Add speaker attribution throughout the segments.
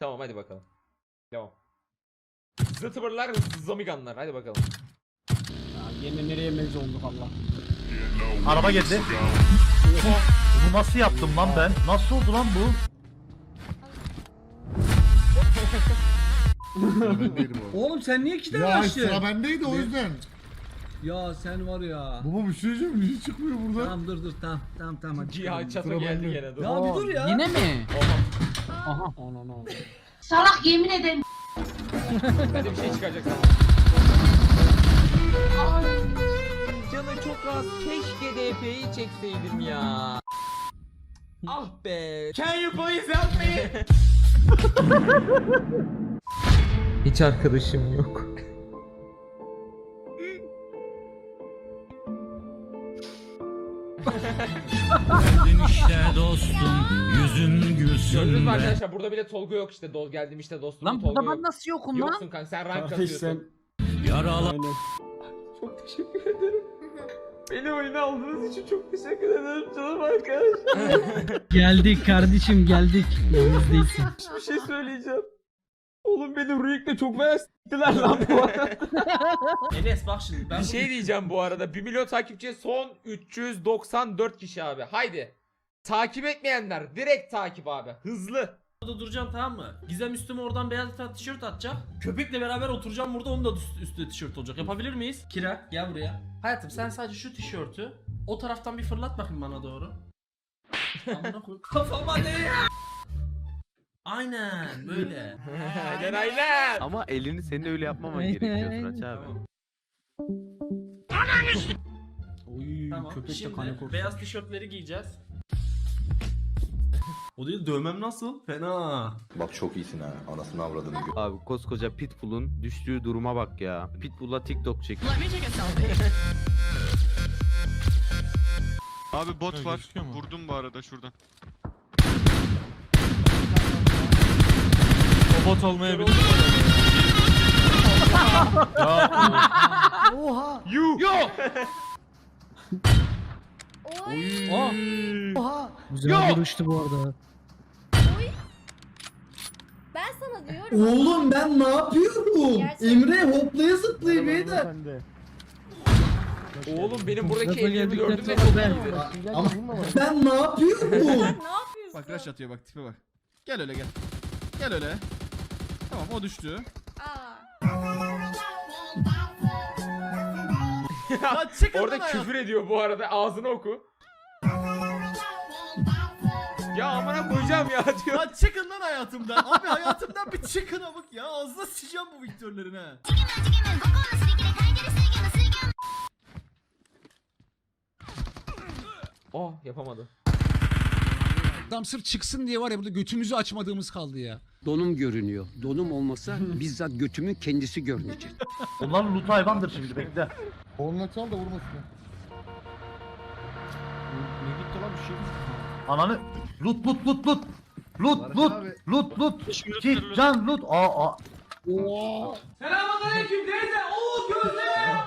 Speaker 1: Tamam hadi bakalım. Devam. Zıtıbırlar, zamiganlar. Hadi bakalım.
Speaker 2: Ya yine nereye mevzu olduk Allah.
Speaker 3: Araba geldi. Bunu nasıl yaptım lan ben? Nasıl oldu lan bu?
Speaker 2: Oğlum sen niye 2 tane
Speaker 4: Ya
Speaker 2: açtın?
Speaker 4: sıra bendeydi o yüzden.
Speaker 2: Ya sen var ya.
Speaker 4: Baba bir şey diyeceğim, niye çıkmıyor burada?
Speaker 2: Tamam dur tamam hadi.
Speaker 1: Ya çato
Speaker 4: Sıra
Speaker 1: geldi
Speaker 4: bende.
Speaker 1: gene dur.
Speaker 2: Ya bir dur ya.
Speaker 5: Yine mi?
Speaker 1: Oha.
Speaker 5: Aha. Onu.
Speaker 6: Salak yemin ederim.
Speaker 1: Hadi bir şey çıkacak sana. Canı çok az. Keşke DP'yi çekseydim ya. Ah be. Can you please help me? Hiç arkadaşım yok.
Speaker 7: işte dostum, yüzün gülsün
Speaker 1: Gördünüz mü
Speaker 7: be.
Speaker 1: arkadaşlar? Burada bile Tolga yok işte. Geldim işte dostum.
Speaker 5: Lan
Speaker 1: Tolga
Speaker 5: burada
Speaker 1: yok.
Speaker 5: ben nasıl yokum lan?
Speaker 1: Yoksun kanka, sen rank
Speaker 2: Kardeş
Speaker 1: atıyorsun.
Speaker 2: sen.
Speaker 7: Yaralı
Speaker 2: Aynen.
Speaker 1: Çok teşekkür ederim. Beni oyuna aldığınız için çok teşekkür ederim canım arkadaşlar.
Speaker 8: Geldik kardeşim geldik. Yalnız değilsin.
Speaker 1: Bir şey söyleyeceğim. Oğlum beni Ruik'le çok bayağı s**tiler lan bu arada.
Speaker 9: Enes bak şimdi ben
Speaker 1: Bir şey diyeceğim bu arada. 1 milyon takipçiye son 394 kişi abi. Haydi. Takip etmeyenler direkt takip abi. Hızlı.
Speaker 9: burada duracağım, tamam mı? Gizem üstüme oradan beyaz tişört atacak. Köpekle beraber oturacağım burada, onun da üstüne tişört olacak. Yapabilir miyiz? Kira gel buraya. Hayatım sen sadece şu tişörtü o taraftan bir fırlat bakayım bana doğru. Amına koy. Kafama ne? Aynen böyle.
Speaker 1: Aynen.
Speaker 10: Ama elini senin öyle yapmaman gerekiyor Turaç abi.
Speaker 2: Oy
Speaker 9: Tamam.
Speaker 2: köpek de
Speaker 9: Şimdi
Speaker 2: kanı korktu.
Speaker 9: beyaz tişörtleri giyeceğiz. O değil, dövmem nasıl? Fena.
Speaker 11: Bak çok iyisin ha. Anasını avradını gö.
Speaker 10: Abi koskoca Pitbull'un düştüğü duruma bak ya. Pitbull'a TikTok çek.
Speaker 12: Abi bot var. Vurdum bu arada şuradan.
Speaker 7: O bot olmayabilir.
Speaker 3: Oha.
Speaker 8: Güzel duruştu bu arada.
Speaker 6: Ben sana diyorum.
Speaker 2: Oğlum ben ne yapıyorum?
Speaker 6: Gerçekten.
Speaker 2: Emre hoplaya zıplaya beyler.
Speaker 1: Oğlum benim buradaki
Speaker 8: Gaza
Speaker 1: ellerimi
Speaker 8: geldikten
Speaker 1: gördün mü?
Speaker 8: sonra ben.
Speaker 2: Ama ben ne yapıyorum?
Speaker 6: Ne yapıyorsun?
Speaker 12: Bak rush atıyor, bak tipe bak. Gel öyle gel. Gel öyle. Tamam o düştü.
Speaker 6: Aa.
Speaker 9: Lan çıkın
Speaker 1: Orada
Speaker 9: lan
Speaker 1: küfür ediyor bu arada. Ağzını oku. Ya amına koyacağım ya diyor.
Speaker 9: Lan çıkın lan hayatımdan. Abi hayatımdan bir çıkın amık ya. Ağzına sıçacağım bu Victor'ların ha.
Speaker 1: Oh yapamadı.
Speaker 7: Adam sırf çıksın diye var ya burada götümüzü açmadığımız kaldı ya.
Speaker 5: Donum görünüyor. Donum olmasa bizzat götümün kendisi görünecek.
Speaker 3: Bunlar loot hayvandır şimdi bekle.
Speaker 4: Koluna çal da vurmasın.
Speaker 2: Ne gitti lan bir şey?
Speaker 3: Ananı loot. Loot. Git can loot. Aa.
Speaker 9: Selamünaleyküm teyze. Oo gözle.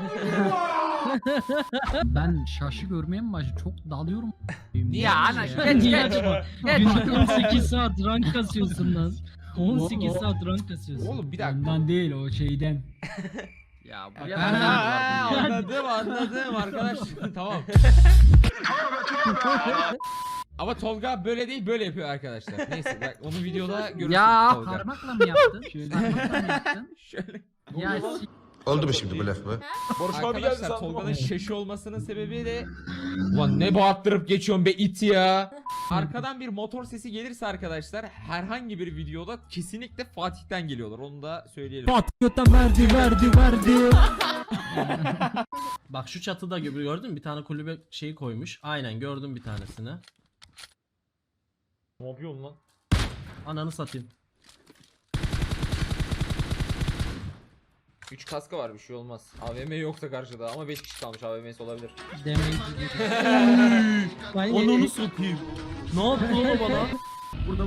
Speaker 8: Ben şaşı görmeye mi başladım? Çok dalıyorum.
Speaker 5: Ya ana
Speaker 8: Niye acaba? Günde 18 saat rank kasıyorsun lan. 18 saat rank kasıyorsun.
Speaker 1: Oğlum bir dakika.
Speaker 8: Ondan değil o şeyden.
Speaker 5: Ya
Speaker 1: Anladım arkadaş. Tamam. Ama Tolga böyle değil, böyle yapıyor arkadaşlar. Neyse bak onu videoda görürsün.
Speaker 5: Ya,
Speaker 1: Tolga.
Speaker 8: Parmakla mı yaptın? Parmakla mı yaptın?
Speaker 1: Şöyle.
Speaker 8: Ya
Speaker 11: Oldu mu şimdi bu laf mı?
Speaker 1: Arkadaşlar Tolga'nın şaşı olmasının sebebi de ulan ne bağırttırıp geçiyorsun be it ya. Arkadan bir motor sesi gelirse arkadaşlar herhangi bir videoda kesinlikle Fatih'ten geliyorlar. Onu da söyleyelim.
Speaker 8: Patriota verdi.
Speaker 9: Bak şu çatıda gördün mü? Bir tane kulübe şeyi koymuş. Aynen gördüm bir tanesini.
Speaker 1: Ne yapıyorsun lan?
Speaker 9: Ananı satayım.
Speaker 1: 3 kaska var, bir şey olmaz. AVM yoksa karşıda ama 5 kişi kalmış, AVM'si olabilir.
Speaker 8: Demeyi.
Speaker 9: Ananı satayım. Ne yaptı lan o bana? Burada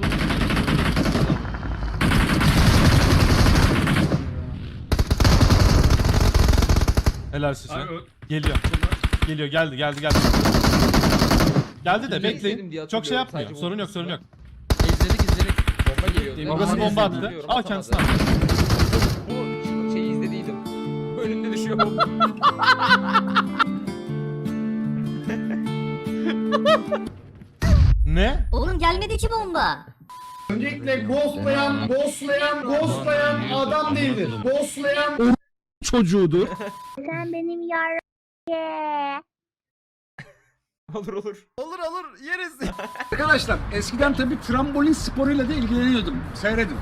Speaker 7: Helal size. Geliyor. Geliyor geldi. Geldi de
Speaker 1: İzledim diye
Speaker 7: bekleyin. Çok şey
Speaker 1: hatırlıyorum,
Speaker 7: yapmıyor.
Speaker 1: sadece
Speaker 7: Sorun yok
Speaker 1: unutmuşsun
Speaker 7: sorun
Speaker 1: da.
Speaker 7: yok.
Speaker 5: İzledik.
Speaker 1: Bomba geliyordu.
Speaker 12: Orası bomba attı.
Speaker 1: Biliyorum,
Speaker 12: Al
Speaker 1: atamadı.
Speaker 12: kendisini.
Speaker 1: Bu şey izlediydim. Önünde düşüyor bomba.
Speaker 12: Ne?
Speaker 6: Oğlum gelmedi ki bomba.
Speaker 2: Öncelikle ghostlayan adam değildir. Ghostlayan
Speaker 7: Çocuğudur.
Speaker 6: Sen benim yar.
Speaker 1: Olur olur.
Speaker 12: Olur olur yeriz.
Speaker 7: Arkadaşlar eskiden tabii trambolin sporuyla da ilgileniyordum. Seyredin.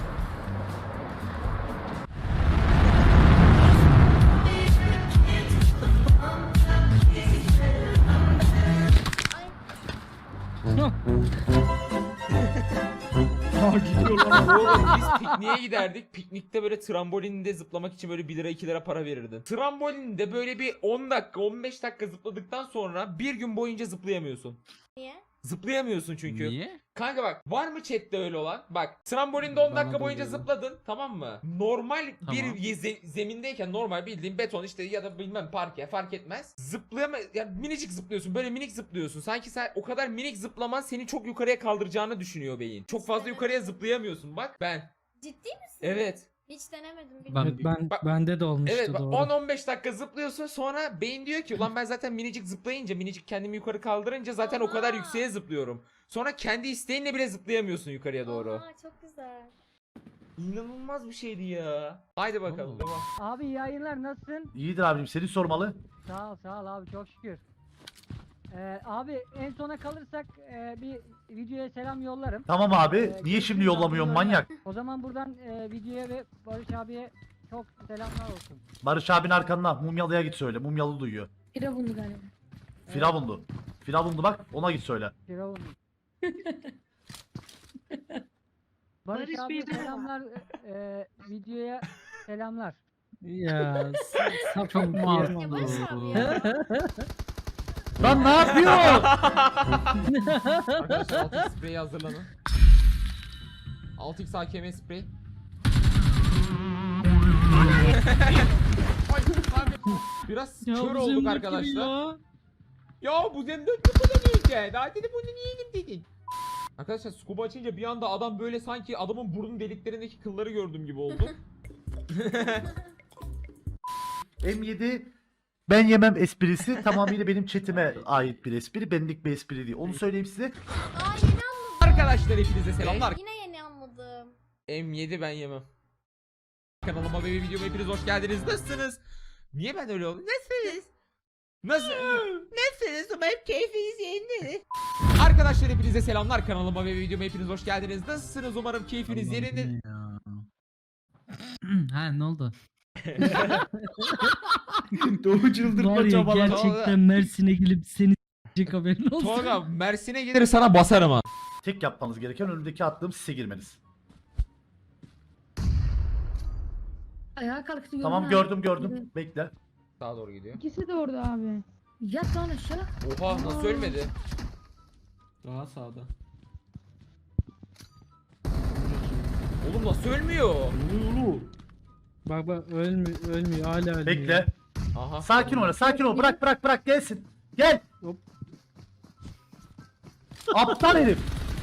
Speaker 1: Oğlum biz pikniğe giderdik. Piknikte böyle trambolinde zıplamak için böyle 1 lira 2 lira para verirdin. Trambolinde böyle bir 10 dakika 15 dakika zıpladıktan sonra bir gün boyunca zıplayamıyorsun.
Speaker 6: Niye?
Speaker 1: Zıplayamıyorsun çünkü.
Speaker 12: Niye?
Speaker 1: Kanka bak var mı chatte öyle olan? Bak trambolinde 10
Speaker 7: Bana
Speaker 1: dakika
Speaker 7: da
Speaker 1: boyunca
Speaker 7: oluyor.
Speaker 1: zıpladın tamam mı? Normal
Speaker 12: Tamam.
Speaker 1: bir zemindeyken normal bildiğin beton işte ya da bilmem parke fark etmez. Zıplayama yani minicik zıplıyorsun böyle minik zıplıyorsun. Sanki sen o kadar minik zıplaman seni çok yukarıya kaldıracağını düşünüyor beyin. Çok fazla yukarıya zıplayamıyorsun bak ben.
Speaker 6: Ciddi misin?
Speaker 1: Evet.
Speaker 6: Hiç denemedim.
Speaker 1: Bak-
Speaker 8: Bende de olmuştu
Speaker 1: Evet bak
Speaker 8: doğru.
Speaker 1: 10-15 dakika zıplıyorsun sonra beyin diyor ki ulan ben zaten minicik zıplayınca minicik kendimi yukarı kaldırınca zaten o kadar
Speaker 6: Oha.
Speaker 1: yükseğe zıplıyorum. Sonra kendi isteğinle bile zıplayamıyorsun yukarıya doğru.
Speaker 6: Aa, çok güzel.
Speaker 1: İnanılmaz bir şeydi ya. Haydi bakalım. Tamam.
Speaker 8: Abi iyi yayınlar nasılsın?
Speaker 3: İyidir abicim seni sormalı.
Speaker 8: Sağ ol abi çok şükür. Abi en sona kalırsak bir videoya selam yollarım.
Speaker 3: Tamam abi. Niye şimdi yollamıyorsun manyak?
Speaker 8: O zaman buradan videoya ve Barış abiye çok selamlar olsun.
Speaker 3: Barış abin arkanda. Mumyalı'ya git söyle. Mumyalı duyuyor.
Speaker 6: Firavunlu galiba.
Speaker 3: Firavunlu. Firavunlu bak ona git söyle.
Speaker 8: Firavun. Barış abi selamlar. Videoya selamlar. Ya çok masum.
Speaker 6: Ya Barış abi ya.
Speaker 3: Lan ne yapıyor?
Speaker 1: Arkadaşlar 6x spreyi hazırlanın. 6x AKM sprey. Ay, abi. Biraz kör olduk arkadaşlar. Ya bu zemde bunu yiyeceğim. Daha dedi bunu yiyelim dedin. Arkadaşlar scuba açınca bir anda adam böyle sanki adamın burun deliklerindeki kılları gördüm gibi oldu.
Speaker 3: M7 ben yemem esprisi tamamıyla benim chatime ait bir espri. Benlik bir espri değil. Onu söyleyeyim size.
Speaker 6: Aa yeni anladım.
Speaker 1: Arkadaşlar hepinize selamlar.
Speaker 6: Yine yeni anladım.
Speaker 1: M7 ben yemem. Kanalıma ve videoma hepiniz hoş geldiniz. Nasılsınız? Niye ben öyle oldum? Nasılsınız? Nasılsınız? Umarım keyfiniz yerinde. Arkadaşlar hepinize selamlar. Kanalıma ve videoma hepiniz hoş geldiniz. Nasılsınız? Umarım keyfiniz yerinde.
Speaker 8: Ha ne oldu?
Speaker 3: Doğu çıldırtma
Speaker 8: Var ya
Speaker 3: çabalar.
Speaker 8: gerçekten Mersin'e gelip seni s**ecek haberin olsun.
Speaker 1: Tolga Mersin'e gelir sana basarım ha.
Speaker 3: Tek yapmanız gereken önümdeki attığım sise girmeniz.
Speaker 6: Ayağa kalktı.
Speaker 3: Tamam gördüm. Bekle.
Speaker 1: Sağa doğru gidiyor.
Speaker 6: İkisi de orada abi. Yat lan aşağı.
Speaker 1: Oha nasıl ölmedi?
Speaker 9: Daha sağda.
Speaker 1: Oğlum nasıl ölmüyor?
Speaker 8: Bak ölmüyor hala ölmüyor.
Speaker 3: Bekle.
Speaker 1: Aha.
Speaker 3: Sakin ol. Bırak gelsin. Gel.
Speaker 8: Hop.
Speaker 3: Aptal herif.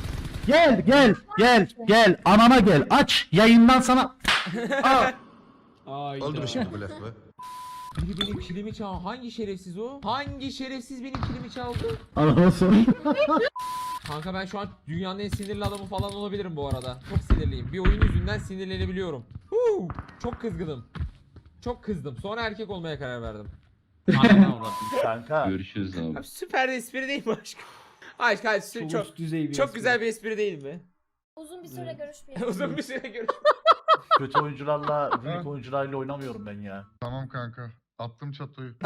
Speaker 3: Gel. Anama gel. Aç. Yayından sana. Al.
Speaker 11: Oldu mu şimdi bu laf be?
Speaker 1: Biri benim kilimi çaldı. Hangi şerefsiz o? Hangi şerefsiz benim kilimi çaldı?
Speaker 3: Anama sor.
Speaker 1: Kanka ben şu an dünyanın en sinirli adamı falan olabilirim bu arada. Çok sinirliyim. Bir oyun yüzünden sinirlenebiliyorum. Çok kızgınım. Çok kızdım. Sonra erkek olmaya karar verdim.
Speaker 3: Kanka.
Speaker 10: Görüşürüz abi.
Speaker 1: Abi süper bir espri değil mi aşkım? Aşk çok güzel bir espri değil mi?
Speaker 6: Uzun bir süre görüşmeyelim.
Speaker 1: Uzun bir süre görüş.
Speaker 3: Kötü oyuncularla, büyük oyuncularla oynamıyorum ben ya.
Speaker 4: Tamam kanka. Attım çatoyu.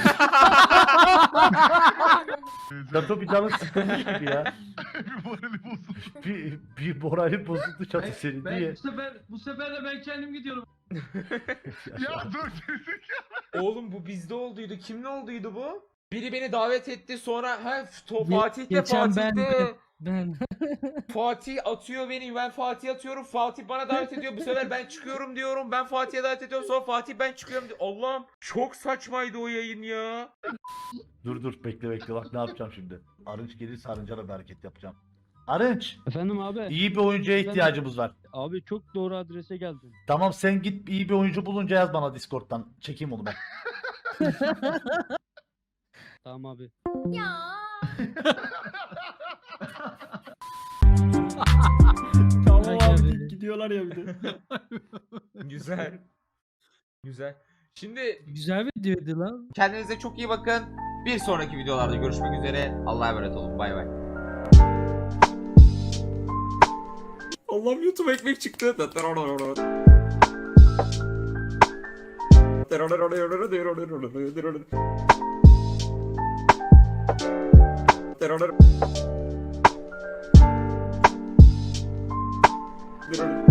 Speaker 3: Çato bir canı sıkılmış gibi ya.
Speaker 4: Bir morali bozuldu.
Speaker 3: Bir morali bozuldu çatı senin diye.
Speaker 8: Bu sefer de ben kendim gidiyorum.
Speaker 4: Ya dur gerizekalı.
Speaker 1: Oğlum bu bizde olduydu. Kimle olduydu bu? Biri beni davet etti sonra Fatih'te
Speaker 8: geçen
Speaker 1: Fatih'te.
Speaker 8: Ben
Speaker 1: Fatih atıyor beni, ben Fatih atıyorum. Fatih bana davet ediyor. Bu sefer ben çıkıyorum diyorum. Ben Fatih'e davet ediyorum. Sonra Fatih ben çıkıyorum diyor. Allah'ım çok saçmaydı o yayın ya.
Speaker 3: Dur bekle bak ne yapacağım şimdi. Arınç gelirse Arınç'a da bir hareket yapacağım. Arınç.
Speaker 5: Efendim abi.
Speaker 3: İyi bir oyuncuya ihtiyacımız var.
Speaker 5: Abi çok doğru adrese geldin.
Speaker 3: Tamam sen git iyi bir oyuncu bulunca yaz bana Discord'dan. Çekeyim onu ben.
Speaker 5: Tamam abi.
Speaker 6: Ya.
Speaker 9: Tamam abi gidiyorlar ya bir de.
Speaker 1: Güzel. Güzel. Şimdi
Speaker 8: Güzel videoydu lan.
Speaker 1: kendinize çok iyi bakın. Bir sonraki videolarda görüşmek üzere. Allah'a emanet olun. Bay bay. Allah'ım YouTube ekmek çıktı. Terör.